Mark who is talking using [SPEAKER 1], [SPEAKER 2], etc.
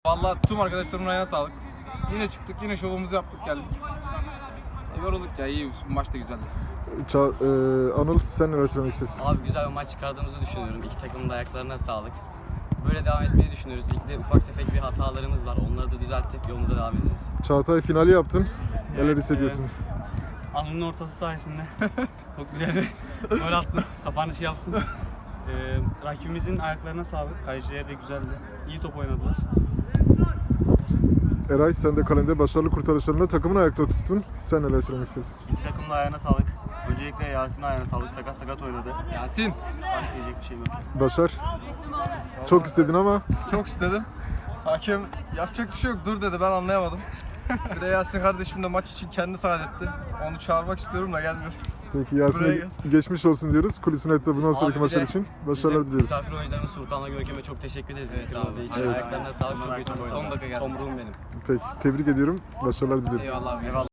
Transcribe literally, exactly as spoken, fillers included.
[SPEAKER 1] Vallahi tüm arkadaşlarımın ayağına sağlık. Yine çıktık, yine şovumuzu yaptık, geldik. E, yorulduk ya, iyi. Maç da güzeldi.
[SPEAKER 2] Ça e, Anıl, sen neler söylemek istersin?
[SPEAKER 3] Abi güzel bir maç çıkardığımızı düşünüyorum. İki takımın da ayaklarına sağlık. Böyle devam etmeyi düşünüyoruz. Ligde ufak tefek bir hatalarımız var. Onları da düzeltip yolumuza devam edeceğiz.
[SPEAKER 2] Çağatay, finali yaptın. Neler
[SPEAKER 4] Evet,
[SPEAKER 2] hissediyorsun?
[SPEAKER 4] Anıl'ın ortası sayesinde çok güzel bir gol attım. Kapanışı yaptım. Ee, rakibimizin ayaklarına sağlık. Kaleciler de güzeldi. İyi top oynadılar.
[SPEAKER 2] Eray, sen de kalende başarılı kurtarışlarında takımını ayakta tuttun. Sen neler söylemek istersin?
[SPEAKER 5] İki takımın da ayağına sağlık. Öncelikle Yasin'in ayağına sağlık. Sakat sakat oynadı.
[SPEAKER 1] Yasin.
[SPEAKER 5] Başka diyecek bir şeyim yok.
[SPEAKER 2] Başar, çok istedin ama
[SPEAKER 6] Çok istedim. Hakem yapacak bir şey yok, dur dedi, ben anlayamadım. Bir de Yasin kardeşim de maç için kendi saat etti. Onu çağırmak istiyorum da gelmiyor.
[SPEAKER 2] peki Yasin'e
[SPEAKER 6] Buraya
[SPEAKER 2] geçmiş olsun diyoruz. Kulisin etti bundan sonraki
[SPEAKER 3] bir de
[SPEAKER 2] maçlar için. Başarılar
[SPEAKER 3] Bizim
[SPEAKER 2] diliyoruz.
[SPEAKER 3] misafir oyuncularımız Furkan'la Görkem'e çok teşekkür ederiz. Bizi
[SPEAKER 1] Evet
[SPEAKER 3] kırmadığı
[SPEAKER 1] abi.
[SPEAKER 3] için.
[SPEAKER 2] Evet.
[SPEAKER 3] Ayaklarına sağlık. Çok iyi top oynadılar.
[SPEAKER 1] Son dakika geldi.
[SPEAKER 3] Tomruğum benim.
[SPEAKER 2] Peki, tebrik ediyorum. Başarılar diliyorum.
[SPEAKER 1] Eyvallah abi.
[SPEAKER 5] Eyvallah.